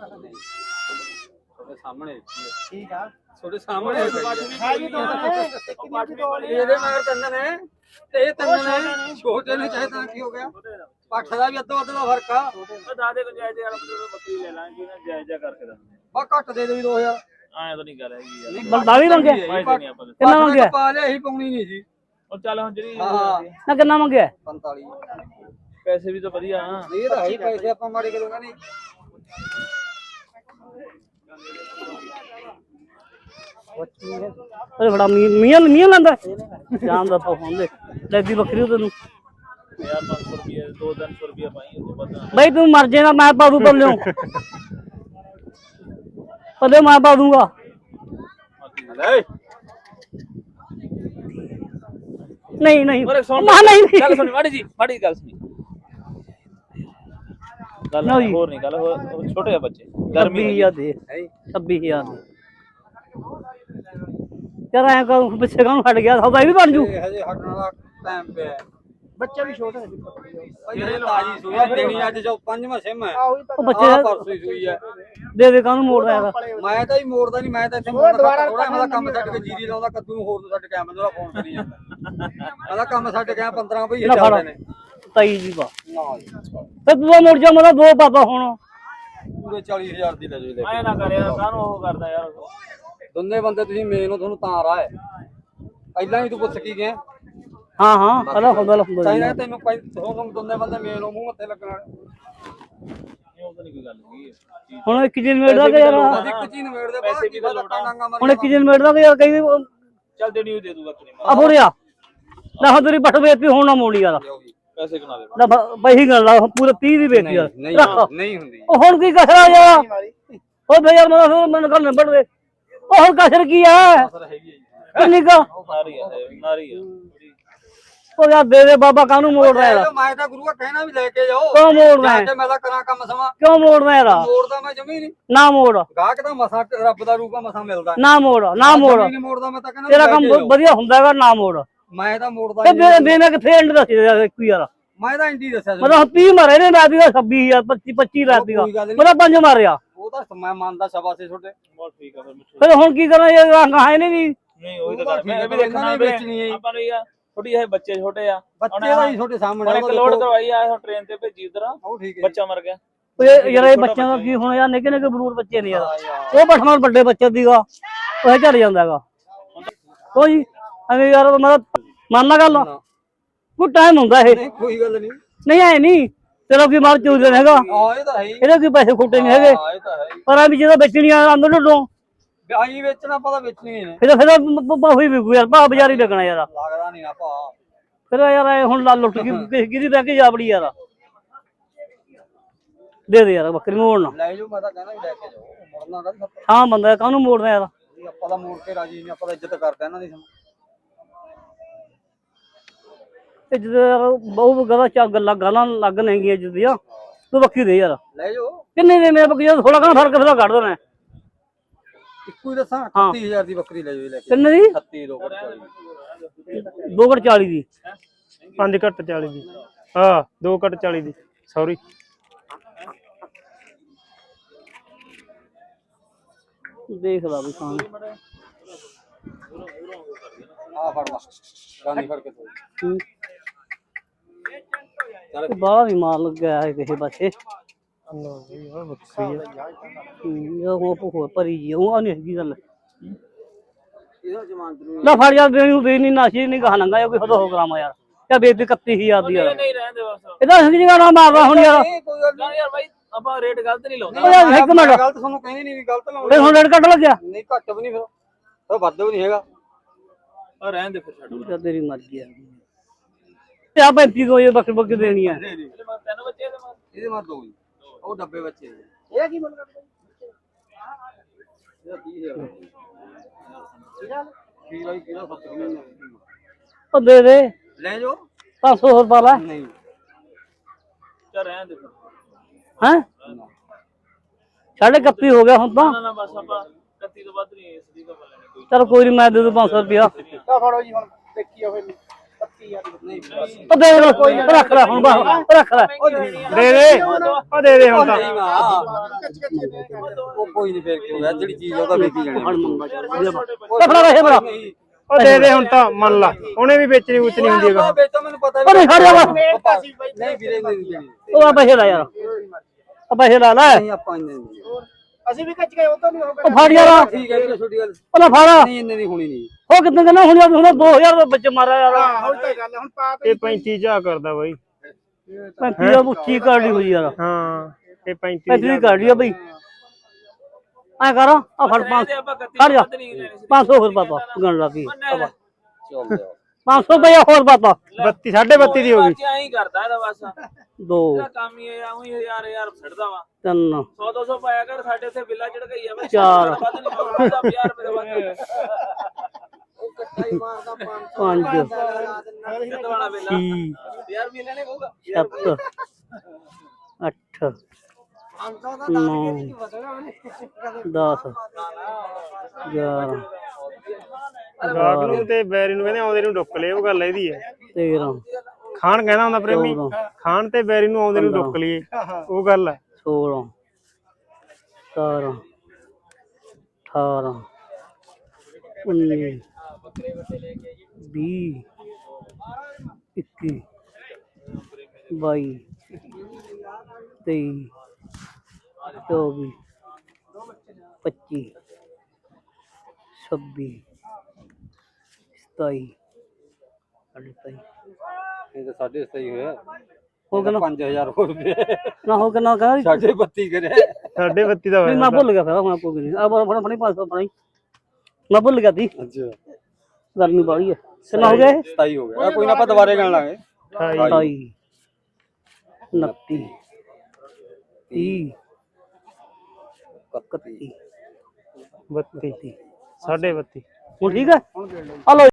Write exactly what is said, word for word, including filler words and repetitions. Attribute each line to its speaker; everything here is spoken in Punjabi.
Speaker 1: ਤੁਹਾਡੇ ਸਾਹਮਣੇ
Speaker 2: ਠੀਕ ਆ
Speaker 1: ਤੁਹਾਡੇ ਸਾਹਮਣੇ
Speaker 2: ਹੈ ਜੀ ਦੋ ਨੇ ਇੱਕ ਦੀ ਦੋ ਨੇ
Speaker 1: ਇਹਦੇ ਮਗਰ ਤਿੰਨ ਨੇ ਤੇ ਇਹ ਤਿੰਨ ਨੇ ਛੋਟੇ ਨੇ ਚਾਹੇ ਤਾਂ ਕੀ ਹੋ ਗਿਆ ਪੱਠ ਦਾ ਵੀ ਅੱਧੋ ਅੱਧ ਦਾ ਫਰਕ ਆ
Speaker 3: ਉਹ ਦਾਦੇ ਕੋ ਜਾਇਜ਼ ਵਾਲਾ ਬੱਕਰੀ ਲੈ ਲਾਂਗੇ ਨਾ ਜਾਇਜ਼ਾ ਕਰਕੇ ਦੱਸਦੇ
Speaker 1: ਬਾ ਘੱਟ ਦੇ ਦੇ ਵੀ ਦੋ ਹਜ਼ਾਰ
Speaker 3: ਐਂ ਤਾਂ ਨਹੀਂ ਗੱਲ ਹੈਗੀ ਯਾਰ
Speaker 4: ਬਲਦਾ ਵੀ ਮੰਗਿਆ ਕਿੰਨਾ ਮੰਗਿਆ
Speaker 1: ਪਾ ਲਿਆ ਅਸੀਂ ਪਾਉਣੀ ਨਹੀਂ ਸੀ
Speaker 3: ਉਹ ਚੱਲ ਹੁਣ ਜਿਹੜੀ
Speaker 1: ਹਾਂ
Speaker 4: ਨਾ ਕਿੰਨਾ ਮੰਗਿਆ
Speaker 1: ਪੰਤਾਲੀ
Speaker 3: ਪੈਸੇ ਵੀ ਤਾਂ ਵਧੀਆ ਆ
Speaker 1: ਇਹ ਤਾਂ ਹੈ ਹੀ ਪੈਸੇ ਆਪਾਂ ਮਾੜੇ ਕਰੂਗਾ ਨਹੀਂ
Speaker 4: ਅਰੇ ਬੜਾ ਮੀਆਂ ਮੀਆਂ ਲੈਂਦਾ ਸ਼ਾਮ ਦਾ ਪਾਉਂ ਦੇ ਲੈਦੀ ਬੱਕਰੀ ਤੈਨੂੰ
Speaker 3: ਯਾਰ ਪੰਜ ਸੌ ਰੁਪਏ ਦੋ ਤਿੰਨ ਸੌ ਰੁਪਏ ਪਾਈ ਉਹ ਤੋਂ ਪਤਾ
Speaker 4: ਬਈ ਤੂੰ ਮਰ ਜਾਏਗਾ ਮੈਂ ਪਾ ਦੂ ਪੱਲਿਓ ਪੱਲੇ ਮੈਂ ਪਾ ਦੂੰਗਾ ਨਹੀਂ ਨਹੀਂ
Speaker 3: ਓਰੇ ਸੁਣ
Speaker 4: ਨਾ ਨਹੀਂ
Speaker 3: ਗੱਲ ਸੁਣੀ ਮਾੜੀ ਜੀ ਮਾੜੀ ਗੱਲ ਸੁਣੀ ਗੱਲ ਹੋਰ ਨਹੀਂ ਗੱਲ ਹੋਰ ਛੋਟੇ ਆ ਬੱਚੇ ਗਰਮੀ
Speaker 4: ਛੱਬੀ ਹਜ਼ਾਰ ਦੇ ਛੱਬੀ ਹਜ਼ਾਰ ਦੇ ਯਾਰ ਐਂ ਕਰ ਪਿੱਛੇ ਕਾਹਨੂੰ ਹਟ ਗਿਆ ਸੌਦਾ ਵੀ ਬਣ ਜੂ
Speaker 1: ਇਹ ਹਜੇ ਹਟਣ ਵਾਲਾ ਟਾਈਮ ਪਿਆ
Speaker 2: ਬੱਚਾ ਵੀ ਛੋਟਾ ਹੈ
Speaker 1: ਇਹ ਤਾਜੀ ਸੂਈ ਆ, ਦੇਣੀ ਅੱਜ ਜੋ ਪੰਜਵਾਂ ਸਿਮ ਹੈ
Speaker 4: ਉਹ ਬੱਚੇ
Speaker 1: ਆਹ ਪਰਸੋਂ ਹੀ ਸੂਈ ਹੈ
Speaker 4: ਦੇ ਦੇ ਕਾਹਨੂੰ ਮੋੜਦਾ ਯਾਰ
Speaker 1: ਮੈਂ ਤਾਂ ਹੀ ਮੋੜਦਾ ਨਹੀਂ ਮੈਂ ਤਾਂ ਇੱਥੇ ਮੋੜਦਾ ਥੋੜਾ ਮੈਂ ਕੰਮ ਛੱਡ ਕੇ ਜੀਰੀ ਲਾਉਂਦਾ ਕੱਦੂ ਨੂੰ ਹੋਰ ਨੂੰ ਛੱਡ ਕੇ ਆ ਮੈਨੂੰ ਫੋਨ ਕਰੀ ਜਾਂਦਾ ਮੈਂ ਕੰਮ ਛੱਡ ਕੇ ਆ ਪੰਦਰਾਂ ਭਈ ਚੱਲਦੇ ਨੇ
Speaker 4: ਤਾਈ ਜੀ ਬਾ
Speaker 1: ਨਾ
Speaker 4: ਤੇ ਤੂੰ ਮੁੜ ਜਾ ਮਤਲਬ ਦੋ ਪਾਪਾ ਹੁਣ
Speaker 1: ਪੂਰੇ ਚਾਲੀ ਹਜ਼ਾਰ ਦੀ ਲੈ ਜੋ
Speaker 3: ਐ ਨਾ ਕਰ ਯਾਰ ਕਾਹਨੂੰ ਉਹ ਕਰਦਾ ਯਾਰ
Speaker 1: ਦੋਨੇ ਬੰਦੇ ਤੁਸੀਂ ਮੇਨ ਹੋ ਤੁਹਾਨੂੰ ਤਾਂ ਰਾਹ ਹੈ ਪਹਿਲਾਂ ਵੀ ਤੂੰ ਪੁੱਛ ਕੀ ਗਿਆ
Speaker 4: ਹਾਂ ਹਾਂ ਪਹਿਲਾਂ ਹੁੰਦਾ ਹੁੰਦਾ
Speaker 1: ਚਾਹੀਦਾ ਤੈਨੂੰ ਤੁਹਾਨੂੰ ਦੋਨੇ ਬੰਦੇ ਮੇਨ ਹੋ ਮੂੰਹ ਮੱਥੇ ਲੱਗਣ
Speaker 3: ਉਹ ਤਾਂ ਨਹੀਂ ਕੋਈ ਗੱਲ ਹੈਗੀ
Speaker 4: ਹੁਣ ਇੱਕ ਦਿਨ ਮੇੜਦਾ ਕਿ ਯਾਰ
Speaker 1: ਇੱਕ ਚੀਜ਼ ਨਵੇੜਦੇ ਬਾਅਦ ਕੀ ਲੱਤਾਂ ਡਾਂਗਾ ਮਾਰੀ
Speaker 4: ਹੁਣ ਇੱਕ ਦਿਨ ਮੇੜਦਾ ਕਿ ਯਾਰ ਕਈ
Speaker 3: ਚੱਲ ਦੇਣੀ ਉਹ ਦੇ ਦੂਗਾ ਤੇਰੀ
Speaker 4: ਆ ਫੋੜਿਆ ਨਾ ਹੁਣ ਤੇਰੀ ਪੱਠ ਵੇਚੀ ਹੁਣ ਨਾ ਮੋੜੀ ਯਾਰ
Speaker 3: ਪੈਸੇ ਕਿਨਾ ਦੇ
Speaker 4: ਨਾ ਬਈ ਗੱਲ ਆ ਪੂਰੇ ਤੀਹ ਦੀ ਵੇਚੀ ਯਾਰ
Speaker 1: ਨਹੀਂ ਨਹੀਂ ਹੁੰਦੀ
Speaker 4: ਉਹ ਹੁਣ ਕੀ ਕਸਰਾ ਯਾਰ ਉਹ ਬਈ ਯਾਰ ਮੈਂ ਫਿਰ ਮੈਨੂੰ ਗੱਲ ਨਿਬੜ ਦੇ ਉਹ ਹੁਣ ਕਸਰ ਕੀ ਆ
Speaker 3: ਸਰ ਹੈਗੀ
Speaker 4: ਕਿੰਨੀ ਕਾ
Speaker 3: ਨਾਰੀ ਆ ਨਾਰੀ ਆ
Speaker 4: ਉਹ ਯਾਰ ਦੇ ਦੇ ਬਾਬਾ ਕਾਹਨੂੰ ਮੋੜਦਾ ਯਾਰ
Speaker 1: ਮੈਂ ਤਾਂ ਗੁਰੂਆ ਕਹਿਣਾ ਵੀ ਲੈ ਕੇ ਜਾਓ
Speaker 4: ਕਿਉਂ ਮੋੜਦਾ ਹੈ?
Speaker 1: ਤੇ ਮੈਂ ਤਾਂ ਕਰਾਂ ਕੰਮ ਸਮਾਂ
Speaker 4: ਕਿਉਂ ਮੋੜਦਾ ਯਾਰ
Speaker 1: ਮੋੜਦਾ ਮੈਂ ਜਮੀ ਨਹੀਂ
Speaker 4: ਨਾ ਮੋੜ
Speaker 1: ਗਾਹਕ ਦਾ ਮਸਾ ਰੱਬ ਦਾ ਰੂਪ ਆ ਮਸਾ ਮਿਲਦਾ
Speaker 4: ਨਾ ਮੋੜ ਨਾ ਮੋੜ
Speaker 1: ਨਹੀਂ ਮੋੜਦਾ ਮੈਂ ਤਾਂ ਕਹਿੰਦਾ
Speaker 4: ਤੇਰਾ ਕੰਮ ਬਹੁਤ ਵਧੀਆ ਹੁੰਦਾ ਹੈਗਾ ਨਾ ਮੋੜ
Speaker 1: ਮੈਂ ਤਾਂ ਮੋੜਦਾ
Speaker 4: ਤੇ
Speaker 1: ਨਹੀਂ
Speaker 4: ਦੇ ਮੈਂ ਕਿੱਥੇ ਐਂਡ ਦੱਸ ਯਾਰ ਇੱਕ ਯਾਰ
Speaker 1: ਮੈਂ ਤਾਂ ਇੰਡੀ ਦੱਸਿਆ ਸੀ
Speaker 4: ਮਤਲਬ ਤੀਹ ਮਾਰੇ ਨੇ ਮੈਂ ਦੀਗਾ ਛੱਬੀ ਹਜ਼ਾਰ ਪੱਚੀ ਪੱਚੀ ਲੱਖ ਦੀਗਾ ਮੇਰਾ ਪੰਜ ਮਾਰਿਆ
Speaker 1: ਉਹ ਤਾਂ ਮੈਂ ਮੰਨਦਾ ਸ਼ਾਬਾਸ਼ੇ ਛੋਟੇ
Speaker 3: ਬਹੁਤ ਠੀਕ ਆ ਫਿਰ
Speaker 4: ਫਿਰ ਹੁਣ ਕੀ ਕਰਾਂ ਇਹ ਰੰਗ ਹੈ ਨਹੀਂ
Speaker 3: ਨਹੀਂ ਉਹੀ ਤਾਂ ਗੱਲ ਮੈਂ ਵੀ ਦੇਖਣਾ ਵੇਚਣੀ ਆਪਾਂ ਨੂੰ ਯਾਰ ਥੋੜੀ ਇਹ ਬੱਚੇ ਛੋਟੇ ਆ
Speaker 1: ਬੱਚੇ ਦਾ ਹੀ ਛੋਟੇ ਸਾਹਮਣੇ
Speaker 3: ਇੱਕ ਲੋਡ ਕਰਵਾਈ ਆ ਟ੍ਰੇਨ ਤੇ ਭੇਜੀ ਉਧਰ
Speaker 1: ਉਹ ਠੀਕ ਹੈ
Speaker 3: ਬੱਚਾ ਮਰ ਗਿਆ
Speaker 4: ਓਏ ਯਾਰ ਇਹ ਬੱਚਿਆਂ ਦਾ ਕੀ ਹੁਣ ਯਾਰ ਨਿੱਕੇ ਨਿੱਕੇ ਬਰੂਰ ਬੱਚੇ ਨੇ ਯਾਰ ਉਹ ਬਠਮਾਨ ਵੱਡੇ ਬੱਚੇ ਦੀਗਾ ਉਹ ਝੜ ਜਾਂਦਾ ਹੈਗਾ ਕੋਈ ਐਵੇਂ ਯਾਰ ਮੈਂ ਮੰਨਣਾ ਗੱਲ ਕੋਈ ਟਾਈਮ ਹੁੰਦਾ ਇਹ
Speaker 1: ਨਹੀਂ ਕੋਈ ਗੱਲ ਨਹੀਂ
Speaker 4: ਨਹੀਂ ਐ ਨਹੀਂ ਤੇਰਾ ਕੀ ਮਾਰ ਚੂਦੇ ਹੈਗਾ
Speaker 1: ਹਾਂ ਇਹ ਤਾਂ ਹੈ ਹੀ
Speaker 4: ਇਹਦੇ ਕੀ ਪੈਸੇ ਖੋਟੇ ਨਹੀਂ ਹੈਗੇ
Speaker 1: ਹਾਂ ਇਹ ਤਾਂ ਹੈ ਹੀ
Speaker 4: ਪਰ ਆ ਵੀ ਜਦੋਂ ਵੇਚਣੀਆਂ ਅੰਦਰ ਢੋਂ
Speaker 1: ਵਿਆਹੀ ਵੇਚਣਾ ਪਤਾ ਵੇਚਣੀ ਨੇ
Speaker 4: ਫਿਰ ਫਿਰ ਹੋਈ ਵੀ ਯਾਰ ਭਾ ਬਾਜ਼ਾਰੀ ਲੱਗਣਾ ਯਾਰ
Speaker 1: ਲੱਗਦਾ ਨਹੀਂ ਨਾ ਭਾ
Speaker 4: ਫਿਰ ਯਾਰ ਇਹ ਹੁਣ ਲਾ ਲੁੱਟ ਕੇ ਕਿਹਦੀ ਬਹਿ ਕੇ ਜਾਬੜੀ ਯਾਰ ਦੇ ਦੇ ਯਾਰ ਬੱਕਰੀ ਮੋੜਨਾ
Speaker 1: ਲੈ ਜਾਓ ਮੈਂ ਤਾਂ ਕਹਿੰਦਾ ਵੀ ਲੈ ਕੇ ਜਾਓ ਮੁੜਨਾ ਦਾ
Speaker 4: ਹਾਂ ਬੰਦਾ ਕਾਹਨੂੰ ਮੋੜਨਾ ਯਾਰ
Speaker 1: ਆਪਾਂ ਤਾਂ ਮੋੜ ਕੇ ਰਾਜੀ ਨਹੀਂ ਆਪਾਂ ਤਾਂ ਇੱਜ਼ਤ ਕਰਦੇ ਇਹਨਾਂ ਦੀ
Speaker 4: ਤੇ ਜਦੋਂ ਬਹੁਤ ਗੱਲਾਂ ਚਾ ਗੱਲਾਂ ਗਾਲਾਂ ਲੱਗ ਨਹੀਂਗੀਆਂ ਜਿੱਦੀਆਂ ਤੂੰ ਬੱਕਰੀ ਦੇ ਯਾਰ
Speaker 1: ਲੈ ਜਾਓ
Speaker 4: ਕਿੰਨੇ ਦੇ ਮੇਰੇ ਬੱਕਰੀ ਥੋੜਾ ਕਾ ਫਰਕ ਫਿਰ ਕੱਢ ਦੇਣਾ
Speaker 1: ਇੱਕੋ ਹੀ ਦੱਸਾਂ ਅਠੱਤੀ ਹਜ਼ਾਰ ਦੀ ਬੱਕਰੀ ਲੈ ਜਾਓ ਲੈ ਕੇ
Speaker 4: ਕਿੰਨੇ ਦੀ
Speaker 1: ਅਠੱਤੀ ਦੋ
Speaker 4: ਦੋ ਘੱਟ ਚਾਲੀ ਦੀ
Speaker 5: ਪੰਜ ਘੱਟ ਚਾਲੀ ਦੀ ਹਾਂ ਦੋ ਘੱਟ ਚਾਲੀ ਦੀ ਸੌਰੀ
Speaker 4: ਦੇਖ ਲਾ ਵੀ ਖਾਣ
Speaker 1: ਆ ਫੜ ਲਾ ਗਾਂਧੀ ਫੜ ਕੇ ਤੂੰ
Speaker 4: ਬਾਹਲਾ ਵੀ ਮਾਰ ਲੱਗਿਆ ਹੈ ਕਿਸੇ ਪਾਸੇ
Speaker 5: ਬੱਕਰੀ
Speaker 4: ਉਹ ਉਹ ਭਰੀ ਜੀ ਉਹ ਨਹੀਂ ਹੈਗੀ ਗੱਲ
Speaker 1: ਇਹਦਾ ਜ਼ਮਾਨਤ ਨੂੰ
Speaker 4: ਨਾ ਫੜ ਜਾ ਦੇ ਨੂੰ ਦੇ ਨਹੀਂ ਨਾਸ਼ੀ ਨਹੀਂ ਕਹਾ ਨੰਗਾ ਕੋਈ ਹਦੋ ਕਰਾਮਾ ਯਾਰ ਕਿਆ ਬੇਇੱਜ਼ਤੀ ਇਕੱਤੀ ਹਜ਼ਾਰ ਦੀ ਯਾਰ
Speaker 3: ਨਹੀਂ ਰਹਿੰਦੇ ਬਸ
Speaker 4: ਇਹਦਾ ਹੰਗ ਜਗਾ ਨਾ ਮਾਰਦਾ ਹੁਣ ਯਾਰ
Speaker 1: ਕੋਈ ਗੱਲ
Speaker 3: ਯਾਰ ਬਾਈ ਆਪਾਂ ਰੇਟ ਗਲਤ ਨਹੀਂ ਲਾਉਂਦੇ
Speaker 4: ਓ ਯਾਰ ਇੱਕ ਮਿੰਟ
Speaker 1: ਗਲਤ ਤੁਹਾਨੂੰ ਕਹਿੰਦੀ ਨਹੀਂ ਵੀ ਗਲਤ ਲਾਉਣੀ
Speaker 4: ਫਿਰ ਹੁਣ ਰੇਟ ਕੱਟ ਲੱਗਿਆ
Speaker 1: ਨਹੀਂ ਘੱਟ ਵੀ ਨਹੀਂ ਫਿਰ ਉਹ ਵੱਧ ਵੀ ਨਹੀਂ ਹੈਗਾ
Speaker 3: ਆ ਰਹਿਣ ਦੇ ਫਿਰ ਛੱਡ
Speaker 4: ਤੇਰੀ ਮਰਜ਼ੀ ਆ ਤੇ ਆ ਪੈਂਤੀ ਦੋ ਇਹ ਬੱਕਰੀ ਬੱਕਰੀ ਦੇਣੀ ਆ
Speaker 3: ਤਿੰਨ ਬੱਚੇ ਇਹਦੇ ਮਾਰ
Speaker 1: ਇਹਦੇ ਮਾਰ ਦੋ ਜੀ ਉਹ ਡੱਬੇ ਬੱਚੇ
Speaker 2: ਇਹ ਕੀ ਮੁੱਲ ਕਰਦਾ
Speaker 1: ਇਹਦਾ ਤੀਹ ਹਜ਼ਾਰ ਕੀ ਲਈ ਕਿਹੜਾ ਸੱਤ ਨਹੀਂ
Speaker 4: ਉਹ ਦੇ ਦੇ
Speaker 1: ਲੈ ਜਾਓ
Speaker 4: ਪੰਜ ਸੌ ਰੁਪਏ ਲੈ
Speaker 1: ਨਹੀਂ
Speaker 3: ਚੱਲ ਰਹਿਣ ਦੇ ਫਿਰ
Speaker 4: ਹੈ ਸਾਢੇ ਇਕੱਤੀ ਹੋ ਗਿਆ ਹੁਣ ਤਾਂ
Speaker 3: ਨਾ ਨਾ ਬਸ ਆਪਾਂ ਇਕੱਤੀ ਤੋਂ ਵੱਧ ਨਹੀਂ ਇਸ ਦੀ ਤਾਂ ਲੈਣੀ ਕੋਈ
Speaker 4: ਚਲ ਕੋਈ ਨਹੀਂ ਮੈਂ ਦੇ ਦੂ ਪੰਜ ਸੌ ਰੁਪਇਆ
Speaker 2: ਤਾਂ ਫੜੋ ਜੀ ਹੁਣ ਦੇਖੀ ਹੋਵੇ
Speaker 4: ਉਹ ਦੇ ਦੇ ਕੋਈ ਰੱਖ ਲੈ ਹੁਣ ਬਸ ਰੱਖ ਲੈ
Speaker 5: ਦੇ ਦੇ ਉਹ ਦੇ ਦੇ ਹੁਣ ਤਾਂ
Speaker 1: ਨਹੀਂ ਮਾਂ ਉਹ ਕੋਈ ਨਹੀਂ ਫੇਰ ਕੀ ਹੋ ਗਿਆ ਜਿਹੜੀ ਚੀਜ਼ ਉਹਦਾ ਵੇਚੀ ਜਾਣੀ
Speaker 4: ਫੜ ਮੰਗਾ ਉਹ ਫੜਾ ਰਹੇ ਮੇਰਾ
Speaker 5: ਉਹ ਦੇ ਦੇ ਹੁਣ ਤਾਂ ਮੰਨ ਲਾ ਉਹਨੇ ਵੀ ਵੇਚਣੀ ਉਚਣੀ ਹੁੰਦੀ ਹੈਗਾ
Speaker 1: ਵੇਚੋ ਮੈਨੂੰ ਪਤਾ
Speaker 4: ਉਹ ਨਹੀਂ ਖੜ ਜਾ ਬਸ
Speaker 1: ਨਹੀਂ ਵੀਰੇ ਨਹੀਂ ਦੇਣੀ
Speaker 4: ਉਹ ਆ ਪੈਸੇ ਲੈ ਯਾਰ ਆ ਪੈਸੇ ਲੈ ਲੈ
Speaker 1: ਨਹੀਂ ਆਪਾਂ ਇੰਨੇ ਨਹੀਂ
Speaker 2: ਅਸੀਂ ਵੀ ਕੱਚ ਗਏ ਉਹ ਤਾਂ ਨਹੀਂ ਹੋ
Speaker 4: ਉਹ ਫੜ ਯਾਰ
Speaker 1: ਠੀਕ ਹੈ ਵੀਰੇ ਛੋਟੀ ਗੱਲ
Speaker 4: ਉਹ ਲੈ ਫੜ
Speaker 1: ਨਹੀਂ ਇੰਨੇ ਦੀ ਹੋਣੀ ਨਹੀਂ
Speaker 4: ਉਹ ਕਿੰਨੇ ਦਿਨ ਹੁਣ ਯਾਰ ਹੁਣ ਦੋ ਹਜ਼ਾਰ ਦਾ ਬੱਚੇ ਮਾਰਿਆ ਯਾਰ
Speaker 2: ਹੁਣ ਤਾਂ ਗੱਲ ਹੁਣ ਪਾ
Speaker 5: ਇਹ ਪੈਂਤੀ ਜਾ ਕਰਦਾ ਬਾਈ
Speaker 4: ਪੈਂਤੀ ਦਾ ਉੱਚੀ ਕਾਢੀ ਹੋਈ ਯਾਰ
Speaker 5: ਹਾਂ ਇਹ ਪੈਂਤੀ
Speaker 4: ਪੈਂਤੀ ਦੀ ਕਾਢੀ ਆ ਬਈ ਐ ਕਰ ਆ ਫੜ ਪੰਜ ਖੜ ਜਾ ਪੰਜ ਸੌ ਹੋਰ ਪਾਤਾ ਗਣ ਲਾ ਕੀ
Speaker 1: ਚੱਲ ਜਾ
Speaker 4: ਪੰਜ ਸੌ ਰੁਪਇਆ ਹੋਰ ਪਾਤਾ
Speaker 5: ਬੱਤੀ ਸਾਢੇ ਬੱਤੀ ਦੀ ਹੋ ਗਈ
Speaker 3: ਐਂ ਹੀ ਕਰਦਾ ਇਹਦਾ ਬਸ
Speaker 4: ਦੋ
Speaker 3: ਇਹਦਾ ਕੰਮ ਹੀ ਇਹ ਆਉਂ ਹਜ਼ਾਰ ਹਜ਼ਾਰ ਛੱਡਦਾ ਵਾ
Speaker 4: ਤਿੰਨ
Speaker 3: ਸੌ ਦੋ ਸੌ ਪਾਇਆ ਕਰ ਸਾਡੇ ਉੱਥੇ ਬਿੱਲਾ ਝੜਕਾਈ ਆ ਮੈਂ
Speaker 4: ਚਾਰ।
Speaker 3: ਵੱਧ ਨਹੀਂ ਪਾਉਂਦਾ ਪੰਜਾਹ ਰੁਪਏ ਦਾ ਵੱਧ
Speaker 2: ਉਹ ਕੱਟਾ ਹੀ ਮਾਰਦਾ
Speaker 4: ਪੰਜ
Speaker 3: ਕਿੱਦ ਵਾਲਾ ਬਿੱਲਾ
Speaker 4: ਛੇ
Speaker 3: ਯਾਰ ਵੀ ਲੈਣੇ ਕਹੂਗਾ
Speaker 4: ਸੱਤ ਅੱਠ ਨੌ ਦਸ ਗਿਆਰਾਂ
Speaker 5: ਗਾਹਕ ਨੂੰ ਤੇ ਬੈਰੀ ਨੂੰ ਕਹਿੰਦੇ ਆਉਂਦੇ ਨੂੰ ਡੁੱਕ ਲਏ ਉਹ ਗੱਲ ਇਹਦੀ ਹੈ
Speaker 4: ਤੇਰਾਂ
Speaker 5: ਖਾਣ ਕਹਿੰਦਾ ਹੁੰਦਾ ਪ੍ਰੇਮੀ ਖਾਣ ਤੇ ਬੈਰੀ ਨੂੰ ਆਉਂਦੇ ਨੂੰ ਡੁੱਕ ਲਈਏ ਉਹ ਗੱਲ ਹੈ
Speaker 4: ਸੋਲਾਂ ਸਤਾਰਾਂ ਅਠਾਰਾਂ ਉੱਨੀ ਵੀਹ ਇੱਕੀ ਬਾਈ ਤੇਈ ਚੌਵੀ ਪੱਚੀ ਛੱਬੀ ਸਤਾਈ ਸਾਢੇ ਸਤਾਈ
Speaker 1: ਇਹ ਤਾਂ ਸਾਡੇ ਸਹੀ ਹੋਇਆ
Speaker 4: ਹੋ ਗਿਆ ਨਾ
Speaker 1: ਪੰਜ ਹਜ਼ਾਰ ਹੋਰ ਰੁਪਏ
Speaker 4: ਨਾ ਹੋ ਗਿਆ ਨਾ ਕਹਾਂ
Speaker 1: ਸਾਡੇ ਬੱਤੀ ਕਰੇ
Speaker 5: ਸਾਢੇ ਬੱਤੀ ਦਾ
Speaker 4: ਨਹੀਂ
Speaker 5: ਹੋਇਆ
Speaker 4: ਮੈਂ ਭੁੱਲ ਗਿਆ ਫਿਰ ਹੁਣ ਆਪੋ ਨਹੀਂ ਆ ਫੜ ਫੜੀ ਪੰਜ ਸੌ ਫੜੀ ਮੈਂ ਭੁੱਲ ਗਿਆ ਸੀ
Speaker 1: ਅੱਛਾ
Speaker 4: ਗਰਮੀ ਬਾਹਲੀ ਹੈ ਕਿੰਨਾ ਹੋ ਗਿਆ ਇਹ
Speaker 1: ਸਤਾਈ ਹੋ ਗਿਆ ਕੋਈ ਨਾ ਆਪਾਂ ਦੁਬਾਰੇ ਗਣ ਲਾਂਗੇ
Speaker 4: ਅਠਾਈ ਉਨੱਤੀ ਤੀਹ ਇਕੱਤੀ
Speaker 5: ਬੱਤੀ ਸਾਢੇ ਬੱਤੀ
Speaker 4: ਹੁਣ ਠੀਕ ਹੈ ਹਲੋ